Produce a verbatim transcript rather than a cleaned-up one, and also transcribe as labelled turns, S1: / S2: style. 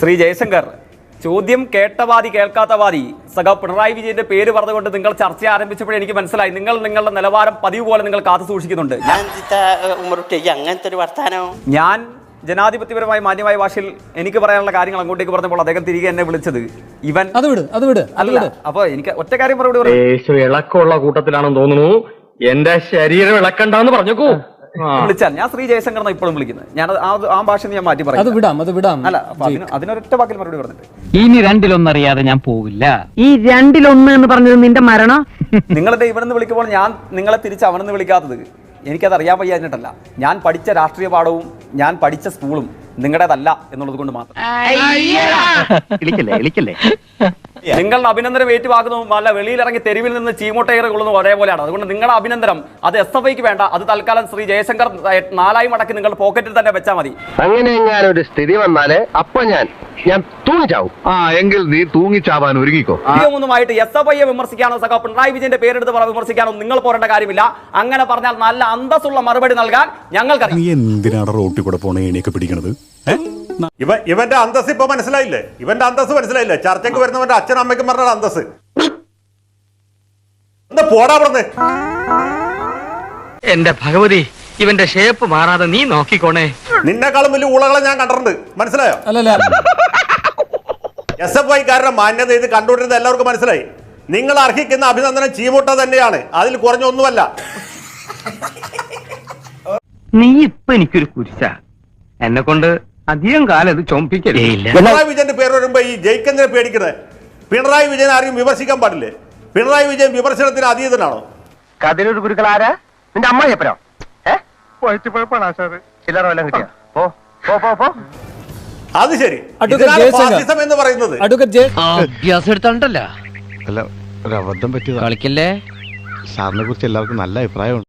S1: ശ്രീ ജയശങ്കർ, ചോദ്യം കേട്ടവാദി കേൾക്കാത്തവാദി സഖാ പിണറായി വിജയന്റെ പേര് പറഞ്ഞുകൊണ്ട് നിങ്ങൾ ചർച്ച ആരംഭിച്ചപ്പോഴേ എനിക്ക് മനസ്സിലായി നിങ്ങൾ നിങ്ങളുടെ നിലവാരം പതിവ് പോലെ നിങ്ങൾ കാത്തു സൂക്ഷിക്കുന്നുണ്ട്.
S2: അങ്ങനത്തെ ഒരു വർത്താനം
S1: ഞാൻ ജനാധിപത്യപരമായ മാന്യമായ ഭാഷയിൽ എനിക്ക് പറയാനുള്ള കാര്യങ്ങൾ അങ്ങോട്ടേക്ക് പറഞ്ഞപ്പോൾ അദ്ദേഹം തിരികെ എന്നെ വിളിച്ചത് ഇവൻ
S3: അത് വിട് അത് വിട്
S1: അല്ല. അപ്പൊ എനിക്ക് ഒറ്റ കാര്യം മറുപടി പറയാം.
S4: ഇളക്കമുള്ള കൂട്ടത്തിലാണെന്ന് തോന്നുന്നു. എന്റെ ശരീരം ഇളക്കണ്ടെന്ന് പറഞ്ഞേക്കൂ.
S1: വിളിച്ചാൽ ഞാൻ ശ്രീ ജയശങ്കർ എന്നാണ് ഇപ്പോഴും വിളിക്കുന്നത്. ഞാൻ ആ ഭാഷ ഞാൻ മാറ്റി
S3: അത്
S1: പറയാം.
S3: വിടാം അത് വിടാം
S1: അല്ല, അതിനൊരൊറ്റ വാക്കിൽ മറുപടി പറഞ്ഞിട്ട്
S5: ഇനി രണ്ടിലൊന്നറിയാതെ ഞാൻ പോവില്ല.
S6: ഈ രണ്ടിലൊന്ന് എന്ന് പറഞ്ഞത് നിന്റെ മരണം.
S1: നിങ്ങളെന്റെ ഇവിടെ നിന്ന് വിളിക്കുമ്പോൾ ഞാൻ നിങ്ങളെ തിരിച്ച് അവിടെ നിന്ന് വിളിക്കാത്തത് എനിക്കത് അറിയാൻ വയ്യാഞ്ഞിട്ടല്ല. ഞാൻ പഠിച്ച രാഷ്ട്രീയ പാഠവും ഞാൻ പഠിച്ച സ്കൂളും നിങ്ങളുടേതല്ല എന്നുള്ളത് കൊണ്ട് മാത്രം. നിങ്ങളുടെ അഭിനന്ദനം ഏറ്റുവാക്കുന്നതും അല്ല വെളിയിലിറങ്ങി തെരുവിൽ നിന്ന് ചീമോട്ടയർ കൊള്ളുന്നതും ഒരേപോലെയാണ്. അതുകൊണ്ട് നിങ്ങളുടെ അഭിനന്ദനം അത് എസ് എഫ് ഐക്ക് വേണ്ട. അത് തൽക്കാലം ശ്രീ ജയശങ്കർ നാലായി മടക്കി നിങ്ങൾ പോക്കറ്റിൽ തന്നെ വെച്ചാൽ മതി.
S4: അങ്ങനെ ഞാനൊരു സ്ഥിതി വന്നാല് അപ്പൊ ഞാൻ ഞാൻ തൂങ്ങിച്ചാവും.
S7: ആ എങ്കിൽ നീ തൂങ്ങിച്ചാവാൻ ഒരുങ്ങിക്കോ.
S1: ഒന്നുമായിട്ട് എസ് എഫ് ഐയെ വിമർശിക്കാനോ സഖാ പിണറായി വിജയന്റെ പേരെടുത്ത് വിമർശിക്കാനോ നിങ്ങൾ പോരേണ്ട കാര്യമില്ല. അങ്ങനെ പറഞ്ഞാൽ നല്ല അന്തസ്സുള്ള മറുപടി നൽകാൻ ഞങ്ങൾക്കറിയാം.
S8: നീ എന്തിനാണ് റോട്ടിൽ കൂടെ പോണ ഏണിയൊക്കെ പിടിക്കണത്?
S9: ഇവ ഇവന്റെ അന്തസ് ഇപ്പൊ മനസ്സിലായില്ലേ? ഇവന്റെ അന്തസ് മനസ്സിലായില്ലേ? ചർച്ചയ്ക്ക് വരുന്നവന്റെ അച്ഛനും അമ്മയ്ക്കും പറഞ്ഞ അന്തസ് എന്താ പോടാ പറഞ്ഞേ.
S5: എന്റെ ഭഗവതി, ഇവന്റെ ഷേപ്പ് മാറാതെ നീ നോക്കിക്കോണേ.
S9: നിന്നെക്കാളും വലിയ ഊളകളെ ഞാൻ കണ്ടിട്ടുണ്ട്, മനസ്സിലായോ?
S3: അല്ലല്ല
S9: എസ് എഫ് ഐക്കാരുടെ മാന്യത ഇത് കണ്ടുകൊണ്ടിരുന്ന എല്ലാവർക്കും മനസ്സിലായി. നിങ്ങൾ അർഹിക്കുന്ന അഭിനന്ദനം ചീമൂട്ട തന്നെയാണ്, അതിൽ കുറഞ്ഞൊന്നുമല്ല.
S5: നീ ഇപ്പൊ എനിക്കൊരു കുരിശ. എന്നെ കൊണ്ട് അധികം കാലം ഇത് ചൊമ്പിക്കില്ല.
S9: പിണറായി വിജയന്റെ പേര് വരുമ്പോ ഈ ജയിക്കെന്തിനെ പേടിക്കുന്നത്? പിണറായി വിജയൻ ആരെയും വിമർശിക്കാൻ പാടില്ലേ? പിണറായി വിജയൻ വിമർശനത്തിന് അതീതനാണോ?
S4: കതിരൂർ ഗുരുക്കൾ ആരാ? നിന്റെ അമ്മ എപ്പഴോ ചില്ലറ വല്ലതും കിട്ടിയ പോ പോ പോ.
S9: അത് ശരി. ഫാസിസം എന്ന് പറയുന്നത്
S5: അഭ്യാസം എടുത്തോണ്ടല്ല.
S7: അല്ല, ഒരു അബദ്ധം പറ്റിയതാ.
S5: കളിക്കല്ലേ.
S7: സാറിനെ കുറിച്ച് എല്ലാവർക്കും നല്ല അഭിപ്രായമുണ്ട്.